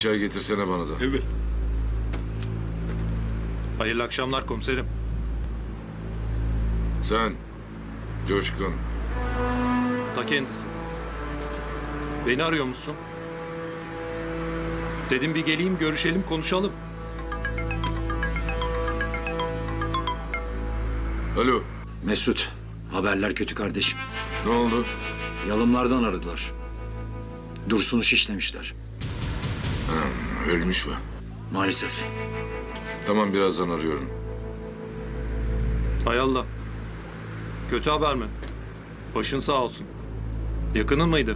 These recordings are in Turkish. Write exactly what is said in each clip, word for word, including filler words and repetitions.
Çay getirsene bana da. Evet. Hayırlı akşamlar komiserim. Sen, Coşkun. Ta kendisi. Beni arıyor musun? Dedim bir geleyim, görüşelim, konuşalım. Alo, Mesut, haberler kötü kardeşim. ne oldu? Yalımlardan aradılar. Dursun'u şişlemişler. Ölmüş mü? Maalesef. Tamam, birazdan arıyorum. Hay Allah. Kötü haber mi? Başın sağ olsun. Yakının mıydı?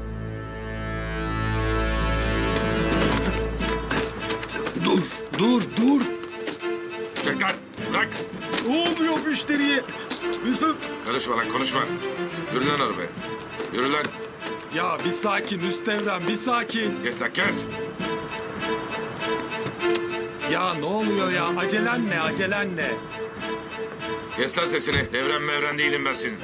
Dur, dur, dur. Çek lan, bırak. Ne oluyor müşteriye? Mesut. Karışma lan, konuşma. Yürü lan arabaya. Yürü lan. Ya bir sakin Üstevren, bir sakin. Kes lan, kes. Ya ne oluyor ya? Acelen ne, acelen ne? Kes lan sesini. Devren mevren değilim ben senin.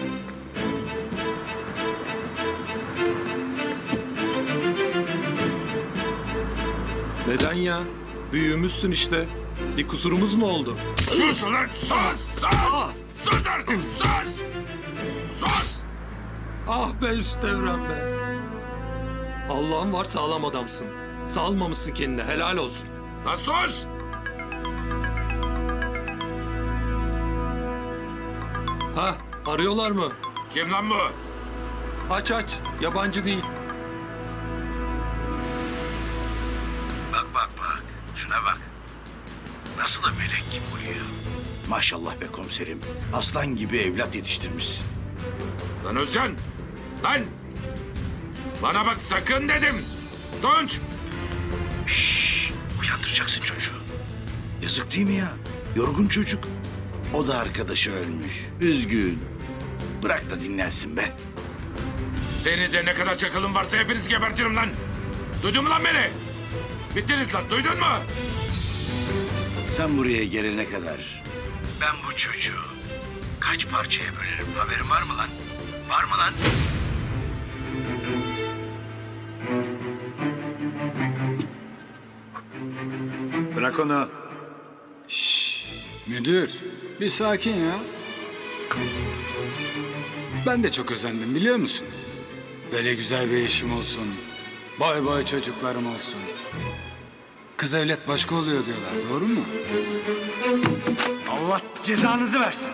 Neden ya? Büyüğümüzsün işte. Bir kusurumuz mu oldu? Sus ulan, sus, sus. Sus artık, sus. Sus. Ah be Üstevren be. Allah'ın var, sağlam adamsın. Salmamışsın kendine, helal olsun. Lan sus. Ha, arıyorlar mı? Kim lan bu? Aç aç, yabancı değil. Bak bak bak. Şuna bak. Nasıl da melek gibi uyuyor. Maşallah be komiserim. Aslan gibi evlat yetiştirmişsin. Lan Özcan. Lan. Bana bak, sakın dedim. Tunç. Şşş. Uyandıracaksın çocuğu. Yazık değil mi ya? Yorgun çocuk. O da arkadaşı ölmüş. Üzgün. Bırak da dinlensin be. Seni de ne kadar çakılın varsa hepinizi gebertirim lan. Duydun mu lan beni? Bittiniz lan, duydun mu? Sen buraya gelene kadar ben bu çocuğu kaç parçaya bölerim, haberin var mı lan? Var mı lan? Bırak onu. Müdür, bir sakin ya. Ben de çok özendim biliyor musun? Böyle güzel bir eşim olsun. Bay bay çocuklarım olsun. Kız evlat başka oluyor diyorlar, doğru mu? Allah cezanızı versin.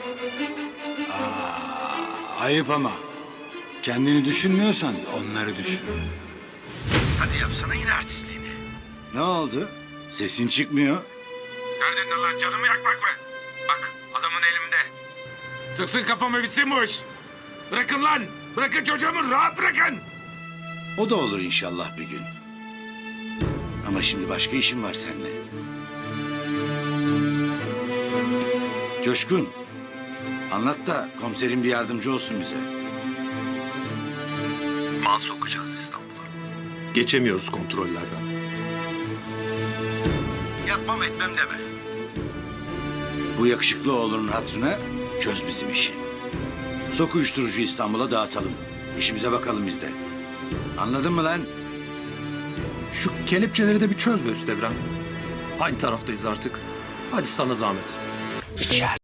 Ayıp ama. Kendini düşünmüyorsan onları düşün. Hadi yapsana yine artistliğini. Ne oldu? Sesin çıkmıyor. Derdin ne lan, canımı yakmak mı? Bak, adamın elimde. Sıksın kafamı, bitsin bu iş. Bırakın lan. Bırakın çocuğumu, rahat bırakın. O da olur inşallah bir gün. Ama şimdi başka işim var seninle. Coşkun, anlat da komiserim bir yardımcı olsun bize. Mal sokacağız İstanbul'a. Geçemiyoruz kontrollerden. Yapmam etmem deme. Bu yakışıklı oğlunun hatırına çöz bizim işi. Sok uyuşturucu İstanbul'a dağıtalım. İşimize bakalım biz de. Anladın mı lan? Şu kelepçeleri de bir çöz be Üstevren. Aynı taraftayız artık. Hadi sana zahmet.